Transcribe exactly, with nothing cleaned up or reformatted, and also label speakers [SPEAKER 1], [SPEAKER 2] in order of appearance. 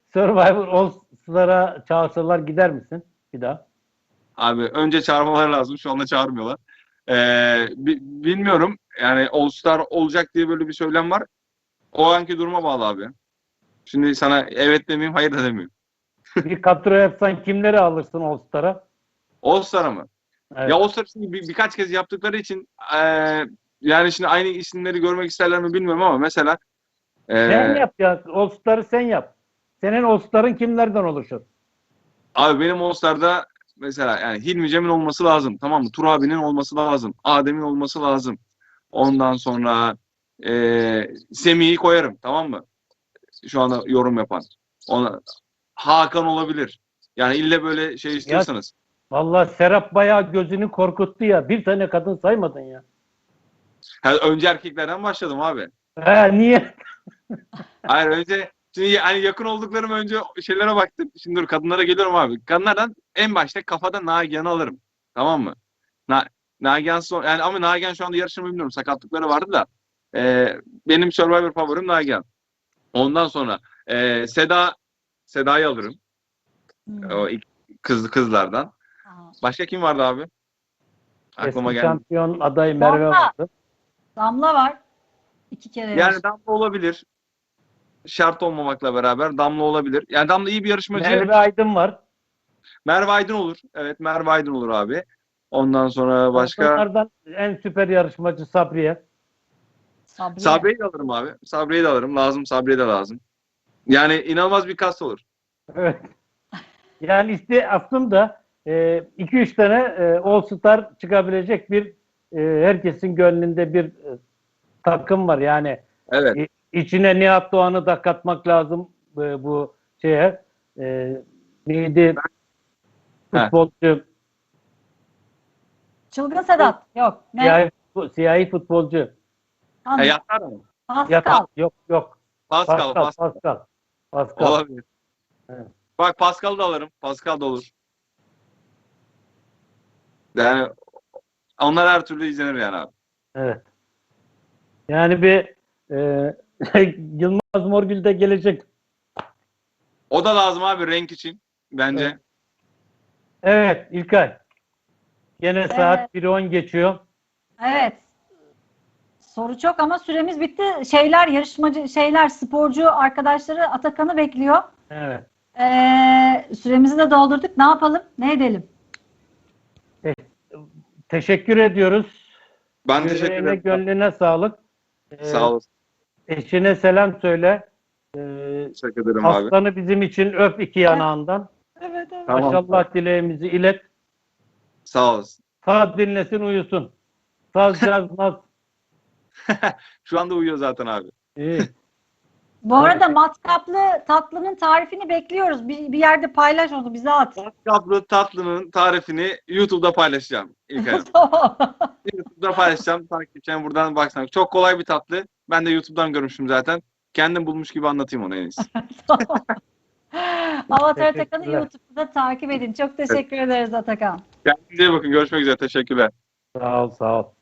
[SPEAKER 1] Survivor All-Star'a çağırsalar gider misin bir daha?
[SPEAKER 2] Abi önce çağırmaları lazım. Şu anda çağırmıyorlar. Ee, bi- bilmiyorum. Yani All Star olacak diye böyle bir söylem var. O anki duruma bağlı abi. Şimdi sana evet demeyeyim, hayır da demeyeyim.
[SPEAKER 1] Bir kadro yapsan kimleri alırsın All-Star'a?
[SPEAKER 2] All Star'a mı?
[SPEAKER 1] Evet.
[SPEAKER 2] Ya All Star şimdi bir, birkaç kez yaptıkları için eee, yani şimdi aynı isimleri görmek isterler mi bilmiyorum ama mesela
[SPEAKER 1] Sen
[SPEAKER 2] eee,
[SPEAKER 1] yap ya. All-Star'ı sen yap. Senin All-Star'ın kimlerden oluşur?
[SPEAKER 2] abi benim All Star'da mesela yani Hilmi Cem'in olması lazım. Tamam mı? Tur abinin olması lazım. Adem'in olması lazım. Ondan sonra eee Semih'i koyarım. Tamam mı? Şu anda yorum yapan. Ona, Hakan olabilir. Yani ille böyle şey
[SPEAKER 1] Ya
[SPEAKER 2] istiyorsanız.
[SPEAKER 1] vallahi Serap bayağı gözünü korkuttu ya. Bir tane kadın saymadın ya.
[SPEAKER 2] Ha, önce erkeklerden başladım abi.
[SPEAKER 1] He niye?
[SPEAKER 2] Hayır önce şimdi hani yakın olduklarım önce şeylere baktım. Şimdi dur kadınlara geliyorum abi. Kadınlardan en başta kafada Nagihan'ı alırım. Tamam mı? Na Nagihan son, yani ama Nagihan şu anda yarışını bilmiyorum. Sakatlıkları vardı da. Ee, benim Survivor favorim Nagihan. Ondan sonra ee, Seda Seda'yı alırım.
[SPEAKER 3] Hmm.
[SPEAKER 2] O ilk kız kızlardan.
[SPEAKER 3] Aha.
[SPEAKER 2] Başka kim vardı abi? Aklıma
[SPEAKER 1] Eski
[SPEAKER 2] geldi.
[SPEAKER 1] şampiyon adayı Merve
[SPEAKER 3] Damla.
[SPEAKER 1] vardı.
[SPEAKER 3] Damla var. İki kere
[SPEAKER 2] Yani
[SPEAKER 3] yarıştı.
[SPEAKER 2] Damla olabilir. Şart olmamakla beraber Damla olabilir. Yani Damla iyi bir yarışmacı.
[SPEAKER 1] Merve Aydın var.
[SPEAKER 2] Merve Aydın olur. Evet Merve Aydın olur abi. Ondan sonra başka
[SPEAKER 1] Kadınlardan en süper yarışmacı Sabriye.
[SPEAKER 3] Sabriye.
[SPEAKER 2] Sabriye'yi de alırım abi. Sabriye'yi de alırım. Lazım Sabriye de lazım. Yani inanılmaz bir kas olur.
[SPEAKER 1] Evet. Yani işte aslında iki üç tane e, All-Star çıkabilecek bir e, herkesin gönlünde bir e, takım var. Yani
[SPEAKER 2] Evet.
[SPEAKER 1] e, içine Nihat Doğan'ı da katmak lazım e, bu şeye. E, neydi?
[SPEAKER 2] Heh.
[SPEAKER 1] Futbolcu.
[SPEAKER 3] Çılgın Sedat. Yok. Ne?
[SPEAKER 1] Siyahi, siyahi futbolcu.
[SPEAKER 2] E,
[SPEAKER 3] Anladım.
[SPEAKER 2] yatar mı?
[SPEAKER 3] Pascal.
[SPEAKER 1] Yatak. Yok yok.
[SPEAKER 2] Pascal,
[SPEAKER 1] Pascal.
[SPEAKER 2] Pascal.
[SPEAKER 1] Pascal. Pascal.
[SPEAKER 2] Olabilir.
[SPEAKER 1] Evet.
[SPEAKER 2] Bak Pascal'ı da alırım. Pascal da olur. Yani onlar her türlü izlenir yani abi.
[SPEAKER 1] Evet. Yani bir e, Yılmaz Morgül de gelecek.
[SPEAKER 2] O da lazım abi renk için. Bence.
[SPEAKER 1] Evet. Evet İlkay. Gene
[SPEAKER 3] Evet.
[SPEAKER 1] saat bir on geçiyor.
[SPEAKER 3] Evet. Soru çok ama süremiz bitti. Şeyler yarışmacı şeyler sporcu arkadaşları Atakan'ı bekliyor.
[SPEAKER 1] Evet.
[SPEAKER 3] Ee, süremizi de doldurduk. Ne yapalım? Ne edelim?
[SPEAKER 1] Te- teşekkür ediyoruz.
[SPEAKER 2] Ben teşekkür
[SPEAKER 1] Yüreğine,
[SPEAKER 2] ederim.
[SPEAKER 1] gönlüne sağlık. Ee,
[SPEAKER 2] Sağ olasın.
[SPEAKER 1] eşine selam söyle. Ee,
[SPEAKER 2] Teşekkür ederim abi.
[SPEAKER 1] aslanı bizim için öp iki yanağından.
[SPEAKER 3] Evet, evet.
[SPEAKER 2] Tamam.
[SPEAKER 1] Maşallah dileğimizi ilet.
[SPEAKER 2] Sağ olasın.
[SPEAKER 1] Saz dinlesin uyusun. Saz cazmaz.
[SPEAKER 2] Şu anda uyuyor zaten abi.
[SPEAKER 1] İyi.
[SPEAKER 3] Bu arada matkaplı tatlının tarifini bekliyoruz. Bir, bir yerde paylaş onu bize at.
[SPEAKER 2] Kaplı tatlının tarifini YouTube'da paylaşacağım ilk ayım.
[SPEAKER 3] Tamam.
[SPEAKER 2] YouTube'da paylaşacağım. Takipçilerim buradan baksana. Çok kolay bir tatlı. Ben de YouTube'dan görmüşüm zaten. Kendim bulmuş gibi anlatayım onu en iyisi.
[SPEAKER 3] Tamam. Avatar Atakan'ı
[SPEAKER 1] Teşekkürler.
[SPEAKER 3] YouTube'da takip edin. Çok teşekkür ederiz Atakan.
[SPEAKER 2] Kendinize iyi bakın. Görüşmek üzere. Teşekkürler.
[SPEAKER 1] Sağ ol, sağ ol.